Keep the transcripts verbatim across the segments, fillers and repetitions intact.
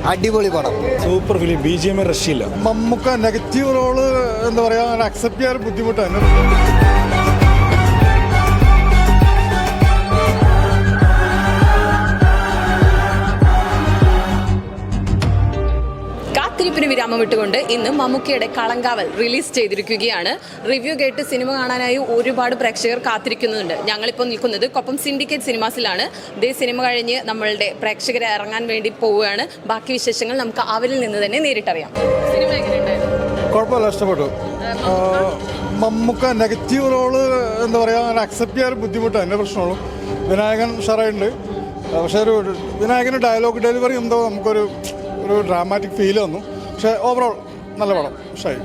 അടിപൊളി പടം, super film, B G M രക്ഷയില്ല. മമ്മൂക്ക നെഗറ്റീവ് റോള് എന്താ പറയാ അക്സെപ്റ്റ് ചെയ്യാൻ ബുദ്ധിമുട്ടാണ്. കാത്തിരിപ്പിന് വിരാമം വിട്ടുകൊണ്ട് ഇന്ന് മമ്മൂക്കയുടെ കളങ്കാവൽ റിലീസ് ചെയ്തിരിക്കുകയാണ്. റിവ്യൂ കേട്ട് സിനിമ കാണാനായി ഒരുപാട് പ്രേക്ഷകർ കാത്തിരിക്കുന്നുണ്ട്. ഞങ്ങളിപ്പോൾ നിൽക്കുന്നത് കൊപ്പം സിൻഡിക്കേറ്റ് സിനിമാസിലാണ്. ഇതേ സിനിമ കഴിഞ്ഞ് നമ്മളുടെ പ്രേക്ഷകരെ ഇറങ്ങാൻ വേണ്ടി പോവുകയാണ്. ബാക്കി വിശേഷങ്ങൾ നമുക്ക് അവരിൽ നിന്ന് തന്നെ നേരിട്ടറിയാം. സിനിമ എങ്ങനെയുണ്ടായിരുന്നു? കുഴപ്പമില്ല, ഇഷ്ടപ്പെട്ടു. മമ്മൂക്ക നെഗറ്റീവ് റോള് എന്താ പറയാ അക്സെപ്റ്റ് ചെയ്യാൻ ബുദ്ധിമുട്ടാണ്. എൻ്റെ പ്രശ്നമുള്ളൂ. വിനായകൻ ഷറായിട്ടുണ്ട്, പക്ഷേ ഒരു വിനായകൻ്റെ ഡയലോഗ് ഡെലിവറി എന്തോ നമുക്കൊരു ഒരു ഡ്രാമാറ്റിക് ഫീൽ വന്നു. പക്ഷേ ഓവറോൾ നല്ല പടം, ഇഷ്ടമായി.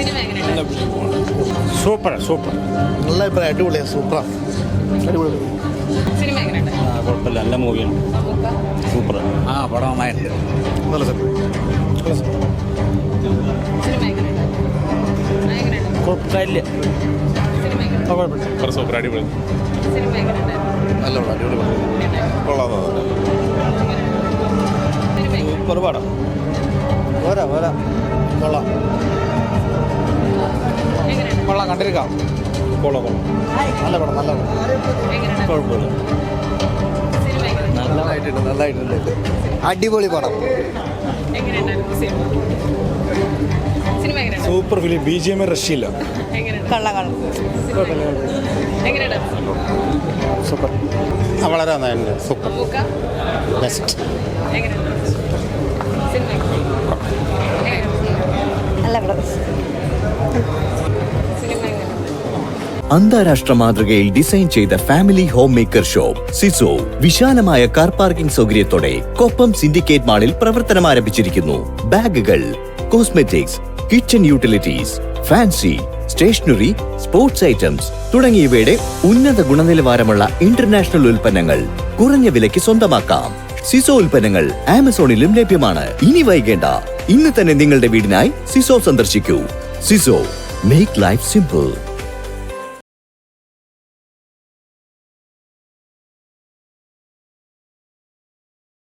സൂപ്പർ സൂപ്പർ നല്ല അഭിപ്രായം, അടിപൊളിയാണ്, സൂപ്പറാണ്, അടിപൊളി. സിനിമ എങ്ങനെയുണ്ട്? കുഴപ്പമില്ല, നല്ല മൂവിയാണ്, സൂപ്പർ. ആ പടം നന്നായിട്ട് നല്ല സെറ്റ്. സിനിമ എങ്ങനെയുണ്ട്? എങ്ങനെയുണ്ട്? കുഴപ്പമില്ല, സിനിമ എങ്ങനെയുണ്ട്? സൂപ്പർ, അടിപൊളി. സിനിമ എങ്ങനെയുണ്ട്? നല്ല പടം, അടിപൊളി പടം, കൊള്ളാം. സൂപ്പർ പടം, പോരാ പോരാ, കൊള്ളാം കൊള്ളാം, കണ്ടിരിക്കാം. കൊള്ളാം കൊള്ളാം, നല്ല പടം, നല്ല പടം, കുഴപ്പമില്ല, നല്ലതായിട്ടുണ്ട്, നല്ലതായിട്ടുണ്ട്, അടിപൊളി പടം. Super film, B G M രക്ഷയില്ല. സൂപ്പർ, വളരെ നന്നായിട്ടുണ്ട്, സൂപ്പർ, ബെസ്റ്റ്. അന്താരാഷ്ട്ര മാതൃകയിൽ ഡിസൈൻ ചെയ്ത ഫാമിലി ഹോം മേക്കർ ഷോപ്പ് സിസോ വിശാലമായ കാർ പാർക്കിംഗ് സൗകര്യത്തോടെ കൊപ്പം സിൻഡിക്കേറ്റ് മാളിൽ പ്രവർത്തനം ആരംഭിച്ചിരിക്കുന്നു. ബാഗുകൾ, cosmetics, kitchen utilities, fancy, stationery, sports items തുടങ്ങിയവയുടെ ഉന്നത ഗുണനിലവാരമുള്ള ഇന്റർനാഷണൽ ഉൽപ്പന്നങ്ങൾ കുറഞ്ഞ വിലയ്ക്ക് സ്വന്തമാക്കാം. സിസോ ഉൽപ്പന്നങ്ങൾ ആമസോണിലും ലഭ്യമാണ്. ഇനി വൈകേണ്ട, ഇന്ന് തന്നെ നിങ്ങളുടെ വീടിനായി സിസോ സന്ദർശിക്കൂ. സിസോ, മേക്ക് ലൈഫ് സിമ്പിൾ.